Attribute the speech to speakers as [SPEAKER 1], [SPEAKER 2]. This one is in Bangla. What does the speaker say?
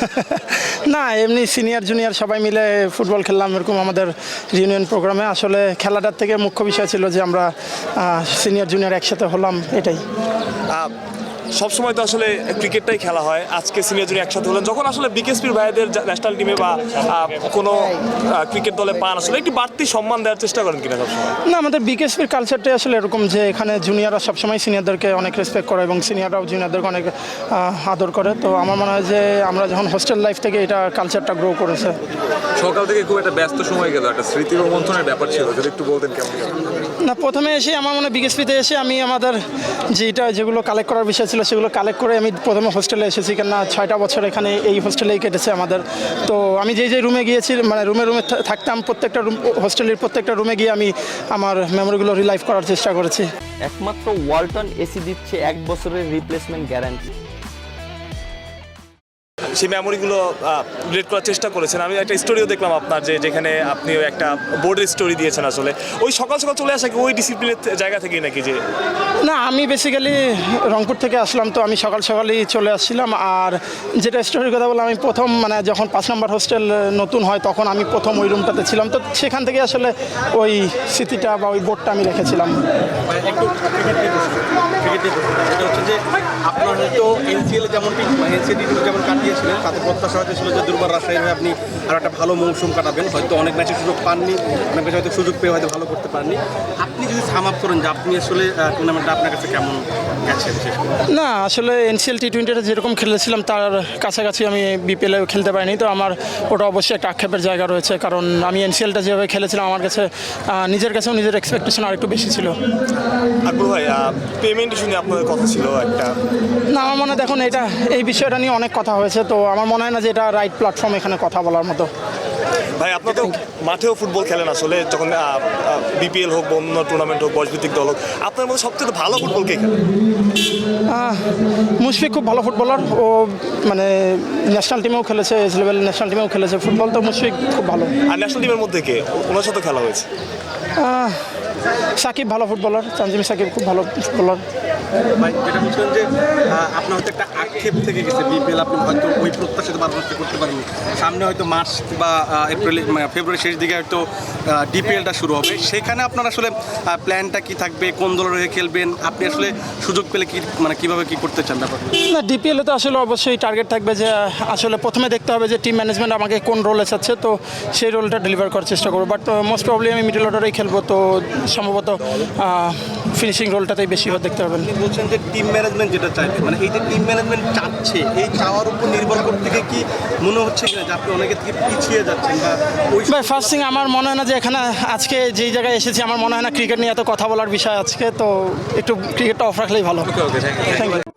[SPEAKER 1] না, এমনি সিনিয়র জুনিয়র সবাই মিলে ফুটবল খেললাম এরকম আমাদের রিউনিয়ন প্রোগ্রামে। আসলে খেলাটার থেকে মুখ্য বিষয় ছিল যে আমরা সিনিয়র জুনিয়র একসাথে হলাম, এটাই।
[SPEAKER 2] সবসময় তো আসলে ক্রিকেটটাই খেলা হয়, আজকে সিনিয়র জুনিয়র একসাথে হলেন, যখন আসলে বিকেএসপির ভাইদের ন্যাশনাল টিমে বা কোনো ক্রিকেট দলে পান, আসলে একটি বাড়তি সম্মান দেওয়ার চেষ্টা করেন কিনা সবসময়?
[SPEAKER 1] না, আমাদের বিকেএসপির কালচারটাই আসলে এরকম যে এখানে জুনিয়ররা সবসময় সিনিয়রদেরকে অনেক রেসপেক্ট করে এবং সিনিয়ররাও জুনিয়রদেরকে অনেক আদর করে। তো আমার মনে হয় যে আমরা যখন হোস্টেল লাইফ থেকে এটা কালচারটা গ্রো করেছে।
[SPEAKER 3] সকাল থেকে খুব একটা ব্যস্ত সময় গেল, একটা স্মৃতি রোমন্থনের ব্যাপার ছিল, যদি একটু বলতেন কেমন?
[SPEAKER 1] না, প্রথমে এসে আমার মনে হয় বিকেএসপিতে এসে আমি আমাদের যেগুলো কালেক্ট করার বিষয় ছিল সেগুলো কালেক্ট করে আমি প্রথমে হোস্টেলে এসেছি, কেননা 6টা বছর এখানে এই হোস্টেলেই কেটেছে আমাদের। তো আমি যে রুমে গিয়েছি, মানে রুমে থাকতাম, প্রত্যেকটা হোস্টেলের প্রত্যেকটা রুমে গিয়ে আমি আমার মেমোরিগুলো রিলাইভ করার চেষ্টা করেছি।
[SPEAKER 4] একমাত্র ওয়ালটন এসি দিচ্ছে 1 বছরের রিপ্লেসমেন্ট গ্যারান্টি।
[SPEAKER 2] সেই মেমোরিগুলো রিলেট করার চেষ্টা করেছেন। আমি একটা স্টোরিও দেখলাম আপনার, যেখানে আপনি একটা বোর্ডের স্টোরি দিয়েছেন। আসলে ওই সকাল সকাল চলে আসা কি ওই ডিসিপ্লিনের জায়গা থেকেই নাকি? যে
[SPEAKER 1] না, আমি বেসিক্যালি রংপুর থেকে আসলাম, তো আমি সকাল সকালই চলে আসছিলাম। আর যেটা স্টোরির কথা বললাম, আমি প্রথম মানে যখন 5 নম্বর হোস্টেল নতুন হয় তখন আমি প্রথম ওই রুমটাতে ছিলাম, তো সেখান থেকে আসলে ওই স্মৃতিটা বা ওই বোর্ডটা আমি রেখেছিলাম।
[SPEAKER 5] একটু এটা হচ্ছে যে আপনার হয়তো এনসিএল যেমন যেমন কাটিয়েছিলেন, তাতে প্রত্যাশা হয়তো ছিল যে দুর্বার রাজশাহী হয়ে আপনি আরও একটা ভালো মৌসুম কাটাবেন, হয়তো অনেক ম্যাচের সুযোগ পাননি, অনেক ম্যাচে হয়তো সুযোগ পেয়ে হয়তো ভালো করতে পারেননি। আপনি যদি সাম আপ করেন যে আপনি আসলে টুর্নামেন্টটা আপনার কাছে কেমন গেছে বিশেষ করে?
[SPEAKER 1] না, আসলে এনসিএল টি20টা যেরকম খেলেছিলাম তার কাছাকাছি আমি বিপিএলে খেলতে পারিনি, তো আমার ওটা অবশ্যই একটা আক্ষেপের জায়গা রয়েছে, কারণ আমি এনসিএলটা যেভাবে খেলেছিলাম আমার কাছে নিজের কাছেও নিজের এক্সপেকটেশন আর একটু বেশি ছিল।
[SPEAKER 2] আকবর ভাই, পেমেন্ট শুনে আপনাদের কথা ছিল একটা?
[SPEAKER 1] না, আমার মনে হয় দেখুন এই বিষয়টা নিয়ে অনেক কথা হয়েছে, তো আমার মনে হয় না যে এটা রাইট প্ল্যাটফর্ম এখানে কথা বলার মতো।
[SPEAKER 2] ভাই, আপনার তো মাঠেও ফুটবল খেলেন, আসলে যখন বিপিএল হোক বা অন্য টুর্নামেন্ট হোক, বয়সভিত্তিক দল হোক, আপনার মধ্যে সবচেয়ে ভালো ফুটবল কে খেলে?
[SPEAKER 1] মুশফিক খুব ভালো ফুটবলার, ও মানে ন্যাশনাল টিমেও খেলেছে, এজ লেভেল ন্যাশনাল টিমেও খেলেছে ফুটবল, তো মুশফিক খুব ভালো।
[SPEAKER 2] আর ন্যাশনাল টিমের মধ্যে কে ওনার সাথে খেলা হয়েছে?
[SPEAKER 1] সাকিব ভালো ফুটবলার, তানজিম সাকিব খুব ভালো ফুটবলার।
[SPEAKER 5] ভাই, যেটা বলছিলেন যে আপনার হয়তো একটা আক্ষেপ থেকে গেছে বিপিএল, আপনি হয়তো ওই প্রত্যাশিত পারফরমেন্স করতে পারেননি। সামনে হয়তো মার্চ বা এপ্রিল ফেব্রুয়ারি শেষ দিকে হয়তো ডিপিএলটা শুরু হবে, সেখানে আপনার আসলে প্ল্যানটা কি থাকবে, কোন দলের হয়ে খেলবেন, আপনি আসলে সুযোগ পেলে কি কিভাবে কি করতে চান ব্যাপারটা?
[SPEAKER 1] না, ডিপিএলে তো আসলে অবশ্যই টার্গেট থাকবে যে আসলে প্রথমে দেখতে হবে যে টিম ম্যানেজমেন্ট আমাকে কোন রোলে চাচ্ছে, তো সেই রোলটা ডেলিভার করার চেষ্টা করবো। বাট মোস্ট প্রবলি আমি মিডল অর্ডারেই খেলবো, তো সম্ভবত ফিনিশিং রোলটাতেই বেশি দেখতে পাবেন।
[SPEAKER 5] আপনি বলছেন যে টিম ম্যানেজমেন্ট যেটা চাইবে, মানে এই যে টিম ম্যানেজমেন্ট চাচ্ছে, এই চাওয়ার উপর নির্ভর করতে গিয়ে কি মনে হচ্ছে কিনা যে আপনি অনেকের থেকে পিছিয়ে যাচ্ছেন? বা ওই
[SPEAKER 1] ফার্স্ট থিং আমার মনে হয় না যে এখানে আজকে যেই জায়গায় এসেছি আমার মনে হয় না ক্রিকেট নিয়ে এত কথা বলার বিষয় আজকে, তো একটু ক্রিকেটটা অফ রাখলেই ভালো।
[SPEAKER 3] Okay, thank you.
[SPEAKER 1] Thank you.